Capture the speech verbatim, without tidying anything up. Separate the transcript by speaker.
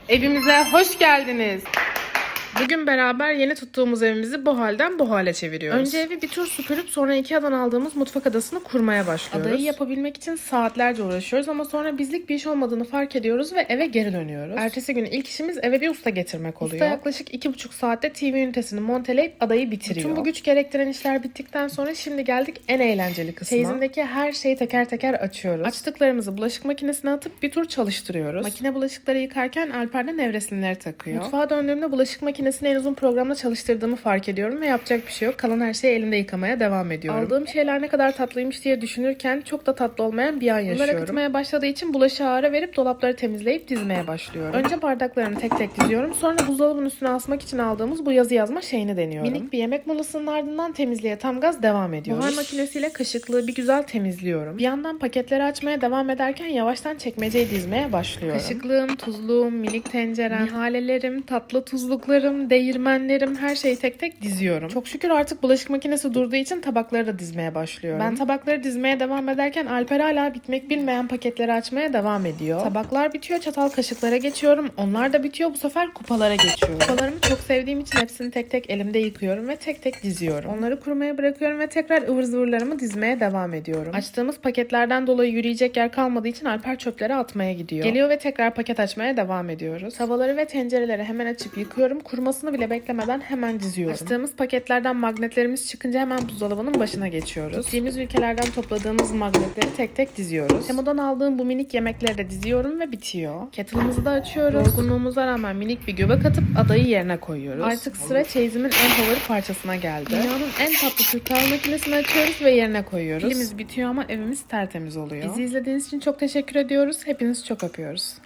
Speaker 1: Evimize hoş geldiniz. Bugün beraber yeni tuttuğumuz evimizi bu halden bu hale çeviriyoruz. Önce evi bir tur süpürüp sonra Ikea'dan aldığımız mutfak adasını kurmaya başlıyoruz. Adayı yapabilmek için saatlerce uğraşıyoruz ama sonra bizlik bir iş olmadığını fark ediyoruz ve eve geri dönüyoruz. Ertesi gün ilk işimiz eve bir usta getirmek oluyor. Usta yaklaşık iki buçuk saatte T V ünitesini monteleyip adayı bitiriyor. Bütün bu güç gerektiren işler bittikten sonra şimdi geldik en eğlenceli kısma. Çeyizindeki her şeyi teker teker açıyoruz. Açtıklarımızı bulaşık makinesine atıp bir tur çalıştırıyoruz. Makine bulaşıkları yıkarken Alper de nevresimleri takıyor. Mutfağa döndüğümde bulaşık makinesi en uzun programda çalıştırdığımı fark ediyorum ve yapacak bir şey yok. Kalan her şeyi elimde yıkamaya devam ediyorum. Aldığım şeyler ne kadar tatlıymış diye düşünürken çok da tatlı olmayan bir an yaşıyorum. Bunlar akıtmaya başladığı için bulaşığı ara verip dolapları temizleyip dizmeye başlıyorum. Önce bardaklarını tek tek diziyorum. Sonra buzdolabının üstüne asmak için aldığımız bu yazı yazma şeyini deniyorum. Minik bir yemek molasının ardından temizliğe tam gaz devam ediyoruz. Buhar makinesiyle kaşıklığı bir güzel temizliyorum. Bir yandan paketleri açmaya devam ederken yavaştan çekmeceyi dizmeye başlıyorum. Kaşıklığım, tuzluğum, minik tencerem, nihalelerim, tatlı tuzluklarım, değirmenlerim, her şeyi tek tek diziyorum. Çok şükür artık bulaşık makinesi durduğu için tabakları da dizmeye başlıyorum. Ben tabakları dizmeye devam ederken Alper hala bitmek bilmeyen paketleri açmaya devam ediyor. Tabaklar bitiyor, çatal kaşıklara geçiyorum. Onlar da bitiyor, bu sefer kupalara geçiyorum. Kupalarımı çok sevdiğim için hepsini tek tek elimde yıkıyorum ve tek tek diziyorum. Onları kurumaya bırakıyorum ve tekrar ıvır zıvırlarımı dizmeye devam ediyorum. Açtığımız paketlerden dolayı yürüyecek yer kalmadığı için Alper çöpleri atmaya gidiyor. Geliyor ve tekrar paket açmaya devam ediyoruz. Tavaları ve tencereleri hemen açıp yıkıyorum. Kurumasını bile beklemeden hemen diziyorum. Açtığımız paketlerden magnetlerimiz çıkınca hemen buzdolabının başına geçiyoruz. Gittiğimiz ülkelerden topladığımız magnetleri tek tek diziyoruz. Temo'dan aldığım bu minik yemekleri de diziyorum ve bitiyor. Kettle'ımızı da açıyoruz. Yorgunluğumuza rağmen minik bir göbek atıp adayı yerine koyuyoruz. Artık sıra çeyizimin en favori parçasına geldi. Dünyanın en tatlı Türk kahve makinesini açıyoruz ve yerine koyuyoruz. Pilimiz bitiyor ama evimiz tertemiz oluyor. Bizi izlediğiniz için çok teşekkür ediyoruz. Hepinizi çok öpüyoruz.